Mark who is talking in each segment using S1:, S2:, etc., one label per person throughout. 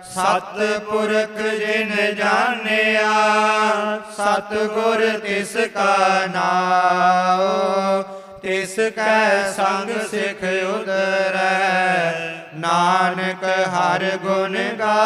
S1: ਸਤਿਪੁਰਖ ਜਿਨ ਜਾਣਿਆ ਸਤਿਗੁਰ ਤਿਸ ਕਾ ਨਾਉ। ਤਿਸ ਕੈ ਸੰਗ ਸਿਖ ਉਦਰੈ ਨਾਨਕ ਹਰਿ ਗੁਣ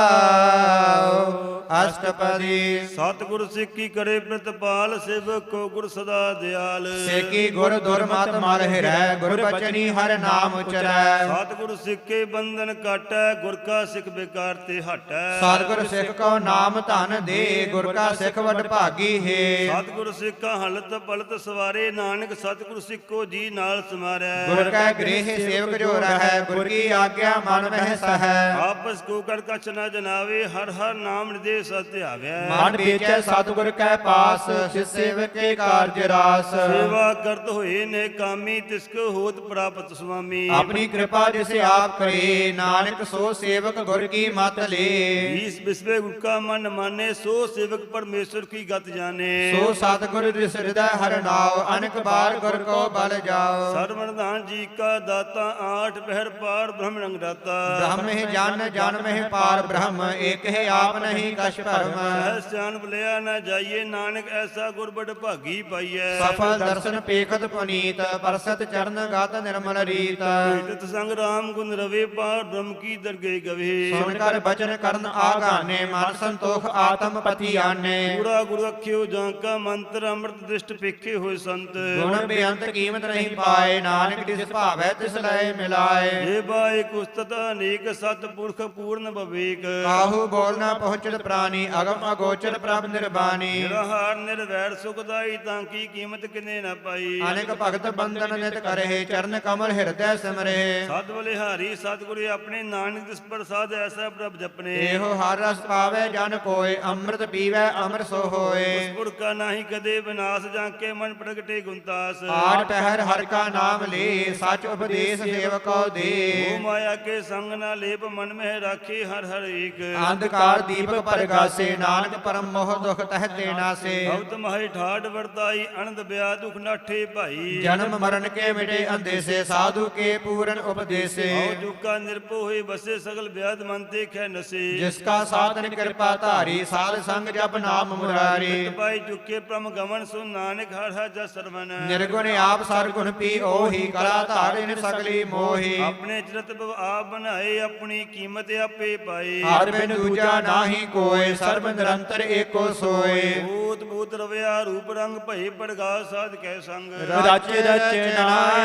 S1: ਗਾਓ। ਅਸ਼ਟਪਦੀ।
S2: ਸਤਿਗੁਰ ਸਿੱਖੀ ਕਰੇ ਪ੍ਰਤਪਾਲ ਸੇਵਕ ਕੋ ਗੁਰ ਸਦਾ ਦਿਆਲ।
S1: ਸੇਕੀ ਗੁਰ ਦੁਰਮਤ ਮਲ ਹਿਰੈ ਗੁਰ ਬਚਨੀ ਹਰਿ ਨਾਮ ਉਚਰੈ।
S2: ਸਤਿਗੁਰ ਸਿੱਖੇ ਬੰਧਨ ਕਾਟੈ ਗੁਰ ਕਾ ਸਿੱਖ ਬੇਕਾਰ ਤੇ ਹਟੈ।
S1: ਸਤਿਗੁਰ ਸਿੱਖ ਕੋ ਨਾਮ ਧਨ ਦੇ ਗੁਰ ਕਾ ਸਿੱਖ ਵਡ ਭਾਗੀ ਹੈ।
S2: ਸਤਿਗੁਰ ਸਿੱਖਾ ਹਲਤ ਪਲਤ ਸਵਾਰੇ ਨਾਨਕ ਸਤਿਗੁਰ ਸਿੱਖੋ ਜੀ ਨਾਲ ਸਮਾਰੈ।
S1: ਗੁਰ ਕੈ ਗ੍ਰਹਿ ਸੇਵਕ ਜੋ ਰਹੈ ਗੁਰ ਕੀ ਆਗਿਆ ਮਨ ਮਹਿ ਸਹੈ।
S2: ਆਪਸ ਕੋ ਕੜ ਕਛ ਨ ਜਨਾਵੇ ਹਰ ਹਰ ਨਾਮ ਨਿਦੇ ਸਤਿਆਵੈ।
S1: ਮਨ ਵੇਚੈ ਸਤਿਗੁਰ ਕੈ ਪਾਸ ਸਿ ਸੇਵਕ ਕੇ ਕਾਰਜ ਰਾਸ।
S2: ਸੇਵਾ ਕਰਤ ਹੋਏ ਨੇ ਕਾਮੀ ਤਿਸ ਕੋ ਹੋਤ ਪ੍ਰਾਪਤ ਸੁਆਮੀ।
S1: ਆਪਣੀ ਕਿਰਪਾ ਜਿਸ ਆਪ ਕਰੇ ਨਾਨਕ ਸੋ ਸੇਵਕ ਗੁਰ ਕੀ ਮਤ ਲੇ।
S2: ਈਸ ਬਿਸਵੇ ਗੁਰ ਕਾ ਮਨ ਮਾਨੇ ਸੋ ਸੇਵਕ ਪਰਮੇਸ਼ਰ ਕੀ ਗਤ ਜਾਣੇ।
S1: ਸੋ ਸਤਿਗੁਰ ਜਿਸ ਹਿਰਦੈ ਹਰਿ ਨਾਉ ਅਨਕ ਬਾਰ ਗੁਰ ਕੋ ਬਲ ਜਾਓ।
S2: ਸਰਵਰਦਾਨ ਜੀ ਕਾ ਦਾਤਾ ਆਠ ਪਹਿਰ ਪਾਰ ਬ੍ਰਹਮ ਰੰਗ ਦਾਤਾ।
S1: ਬ੍ਰਹਮ ਹੀ ਜਨ ਜਨ ਮਹਿ ਪਾਰ ਬ੍ਰਹਮ ਏਕ ਹੈ ਆਪ ਨਹੀਂ ਕਛ ਭਰਮ।
S2: ਸਹਿ ਸਿਆਨ ਬਲਿਆ ਨਾ ਜਾਈਏ ਨਾਨਕ ਐਸਾ ਗੁਰ ਬੜ ਭਾਗੀ ਪਾਈਐ।
S1: ਸਫਲ ਦਰਸ਼ਨ ਪੇਖਤ ਪੁਨੀਤ ਪਰਸਤ ਚਰਨ ਗਤ ਨਿਰਮਲ ਰੀਤ।
S2: ਤਤ ਸੰਗ ਰਾਮ ਗੁਣ ਰਵੇ ਪਾਰ ਬ੍ਰਹਮ ਕੀ ਦਰਗੇ ਗਵੇ।
S1: ਸੁਣ ਕਰ ਬਚਨ ਕਰਨ ਆਗਾਨੇ ਮਨ ਸੰਤੋਖ ਆਤਮ ਪਤੀ ਆਨੇ।
S2: ਪੂਰਾ ਗੁਰ ਅਖਿਓ ਜਾਂ ਕਾ ਮੰਤਰ ਅੰਮ੍ਰਿਤ ਦ੍ਰਿਸ਼ਟ ਪੇਖੇ ਹੋਏ ਸੰਤ।
S1: ਗੁਣ ਬੇਅੰਤ ਕੀਮਤ ਨਹੀਂ ਪਾਏ ਨਾਨਕ ਜਿਸ ਭਾਵੈ ਤਿਸ ਲਏ ਮਿਲਾਏ।
S2: ਜੇ ਬਾਏ ਕੁਸਤਤ ਅਨੇਕ ਸਤ ਪੁਰਖ ਪੂਰਨ ਬਵੇਕ।
S1: ਕਾਹੂ ਬੋਲ ਨਾ ਪਹੁੰਚਤ ਪ੍ਰਾਨੀ ਅਗਮ ਅਗੋਚਰ ਪ੍ਰਭ ਨਿਰਬਾਨੀ।
S2: ਨਿਰਹਾਰ ਨਿਰਵੈਰ ਸੁਖਦਾਈ ਤਾਂ ਕੀ ਕੀਮਤ ਕਿਨੇ ਨਾ ਪਾਈ।
S1: ਅਨੇਕ ਭਗਤ ਬੰਧਨ ਨਿਤ ਕਰਹਿ ਚਰਨ ਕਮਲ ਹਿਰਦੈ ਸਿਮਰਹਿ।
S2: ਸਤ ਬਲਿਹਾਰੀ ਸਤਿਗੁਰੂ ਆਪਣੇ ਨਾਨਕ ਦਿਸ ਪ੍ਰਸਾਦ ਐਸਾ ਪ੍ਰਭ ਜਪਨੇ।
S1: ਇਹੋ ਹਰ ਰਸ ਪਾਵੇ ਜਨ ਕੋਇ ਅੰਮ੍ਰਿਤ ਪੀਵੈ ਅਮਰ ਸੋ ਹੋਏ।
S2: ਉਸ ਪੁਰ ਕਾ ਨਾਹੀ ਕਦੇ ਵਿਨਾਸ਼ ਜਾਂ ਕੇ ਮਨ ਪ੍ਰਗਟੇ ਗੁੰਤਾਸ।
S1: ਆਠ ਪਹਿਰ ਹਰਿ ਕਾ ਨਾਮ ਲੇ ਸਚ ਉਪਦੇਸ਼ ਸੇਵਕੋ ਦੇ।
S2: ਮੋਹ ਮਾਇਆ ਕੇ ਸੰਗ ਨਾ ਲੇਪ ਮਨ ਮਹਿ ਰਾਖੇ ਹਰ ਹਰ ਏਕ।
S1: ਅੰਧਕਾਰ ਦੀਪਕ ਪਰਗਾਸੇ ਨਾਨਕ ਪਰਮ ਮੋਹ ਦੁਖ ਤਹਿ ਤੇ ਨਾਸੇ।
S2: ਭਗਤ ਮਹਿ ਠਾੜ ਵਰਤਾਈ ਅਨੰਦ ਬਿਆ ਦੁਖ ਨਾਠੇ ਭਾਈ।
S1: ਜਨਮ ਮਰਨ ਕੇ ਮਿਟੇ ਅੰਦੇਸੇ ਸਾਧੂ ਕੇ ਪੂਰਨ ਉਪਦੇਸੇ।
S2: ਹਉ ਜੁਕਾ ਨਿਰਭਉ ਹੋਏ ਬਸੇ ਸਗਲ ਬਿਆਦ ਮਨ ਤੇ ਖੈ ਨਸੇ।
S1: ਜਿਸ ਕਾ ਸਾਧਨ ਕਿਰਪਾ ਧਾਰੀ ਸਾਧ ਸੰਗ ਜਪ ਨਾਮ ਮੁਰਾਰੀ।
S2: ਪਾਈ ਚੁਕੇ ਪ੍ਰਮ ਗਮਨ ਸੁ ਨਾਨਕ ਹਰ ਹਰ ਜਸ ਸਰਵਨ।
S1: ਨਿਰਗੁਣ ਆਪ ਸਰਗੁਣ ਪੀ ਓਹੀ ਕਲਾ ਧਾਰਿਨ ਸਗਲੀ ਮੋਹੀ।
S2: ਆਪਣੇ ਚਰਤ ਭਵ ਆਪ ਬਣਾਏ ਆਪਣੀ ਕੀਮਤ ਆਪੇ ਪਾਈ।
S1: ਹਰ ਬਿਨ ਦੂਜਾ ਨਾਹੀ ਕੋਇ ਸਰਬ ਨਿਰੰਤਰ ਏਕੋ ਸੋਏ।
S2: ਭੂਤ ਭੂਤ ਰਵਿਆ ਰੂਪ ਰੰਗ ਭਏ ਪੜਗਾ ਸਾਧ ਕੈ ਸੰਗ।
S1: ਰਚ ਰਚਨਾ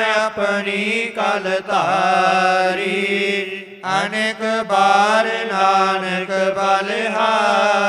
S1: ਆਪਣੀ ਕਲ ਧਾਰੀ ਅਨੇਕ ਬਾਰ ਨਾਨਕ ਬਲਿਹਾਰੀ।